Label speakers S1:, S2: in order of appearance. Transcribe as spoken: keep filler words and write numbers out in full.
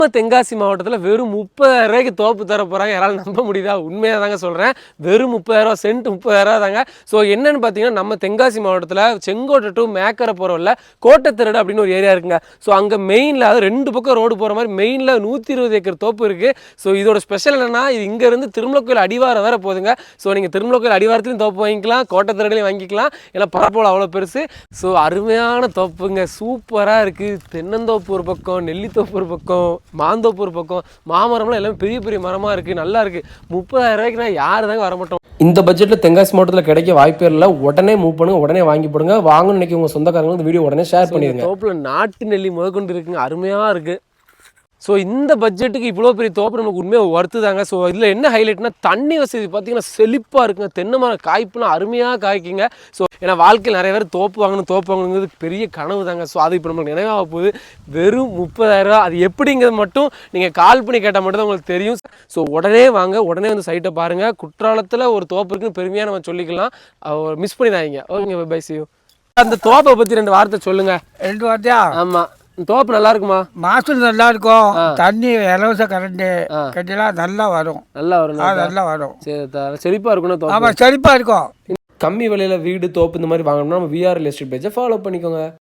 S1: தென்காசி மாவட்டத்தில் வெறும் முப்பதாயிரம் ரூபாய்க்கு தோப்பு தர போகிறாங்க. யாராலும் நம்ப முடியுதா? உண்மையாக தாங்க சொல்கிறேன். வெறும் முப்பதாயிரரூவா சென்ட் முப்பதாயிரரூவா தாங்க. ஸோ என்னென்னு பார்த்தீங்கன்னா நம்ம தென்காசி மாவட்டத்தில் செங்கோட்டை டு மேக்கரை போகிறவரில் கோட்டைத்திரடு அப்படின்னு ஒரு ஏரியா இருக்குங்க. ஸோ அங்கே மெயினில் அது ரெண்டு பக்கம் ரோடு போகிற மாதிரி மெயினில் நூற்றி இருபது ஏக்கர் தோப்பு இருக்குது. ஸோ இதோட ஸ்பெஷல் என்னென்னா இது இங்கேருந்து திருமலை கோயில் அடிவாரம் வேறு போதுங்க. ஸோ நீங்கள் திருமலை கோயில் அடிவாரத்துலையும் தோப்பு வாங்கிக்கலாம், கோட்டைத்திரடுலையும் வாங்கிக்கலாம். ஏன்னா பரப்போல் அவ்வளோ பெருசு. ஸோ அருமையான தோப்புங்க, சூப்பராக இருக்குது. தென்னந்தோப்பு ஒரு பக்கம், நெல்லித்தோப்பு ஒரு பக்கம், மாந்தோப்பு ஒரு பக்கம், மாமரம்லாம் எல்லாமே பெரிய பெரிய மரமாக இருக்குது, நல்லா இருக்குது. முப்பதாயிரம் ரூபாய்க்குனா யார் தாங்க வரமாட்டோம். இந்த பட்ஜெட்டில் தென்காசி மாவட்டத்தில் கிடைக்க வாய்ப்பே இல்லை. உடனே மூவ் பண்ணுங்க, உடனே வாங்கி போடுங்க. வாங்கணும்னு நினைக்க உங்கள் சொந்தக்காரங்க இந்த வீடியோ உடனே ஷேர் பண்ணிடுங்க. தோப்பில் நாட்டு நெல்லி முதற்கொண்டு இருக்குங்க, அருமையாக இருக்குது. ஸோ இந்த பட்ஜெட்டுக்கு இவ்வளோ பெரிய தோப்பு நமக்கு உண்மையாக ஒர்த்து தாங்க. ஸோ இதில் என்ன ஹைலைட்னா தண்ணி வசதி பார்த்தீங்கன்னா செழிப்பாக இருக்குங்க. தென்னை மரம் காய்ப்புலாம் அருமையாக காய்க்குங்க. ஸோ ஏன்னா வாழ்க்கையில் நிறைய பேர் தோப்பு வாங்கணும் தோப்பு வாங்கணுங்கிறது பெரிய கனவு தாங்க. ஸோ அது இப்போ நம்மளுக்கு நினைவாக போகுது. வெறும் முப்பதாயிரரூவா. அது எப்படிங்கிறது மட்டும் நீங்கள் கால் பண்ணி கேட்டால் மட்டும் தான் உங்களுக்கு தெரியும். ஸோ உடனே வாங்க, உடனே வந்து சைட்டை பாருங்கள். குற்றாலத்தில் ஒரு தோப்பு இருக்குன்னு பெருமையாக நம்ம சொல்லிக்கலாம். மிஸ் பண்ணிடாதீங்க. ஓகேங்க, பை சி யூ. அந்த தோப்பை பற்றி ரெண்டு வார்த்தை சொல்லுங்கள்.
S2: ரெண்டு வார்த்தையா?
S1: ஆமாம். தோப்பு நல்லா இருக்குமா?
S2: மாசம் நல்லா இருக்கும். தண்ணி இலவச கரண்ட் கட்டிலாம் நல்லா வரும். நல்லா வரும் நல்லா வரும்.
S1: சரி, செழிப்பா இருக்கணும்.
S2: ஆமா, செழிப்பா இருக்கும்.
S1: கம்மி விலையில வீடு தோப்பு இந்த மாதிரி வாங்கணும்னா நம்ம விஆர் ரியல் எஸ்டேட் பேஜை ஃபாலோ பண்ணிக்கோங்க.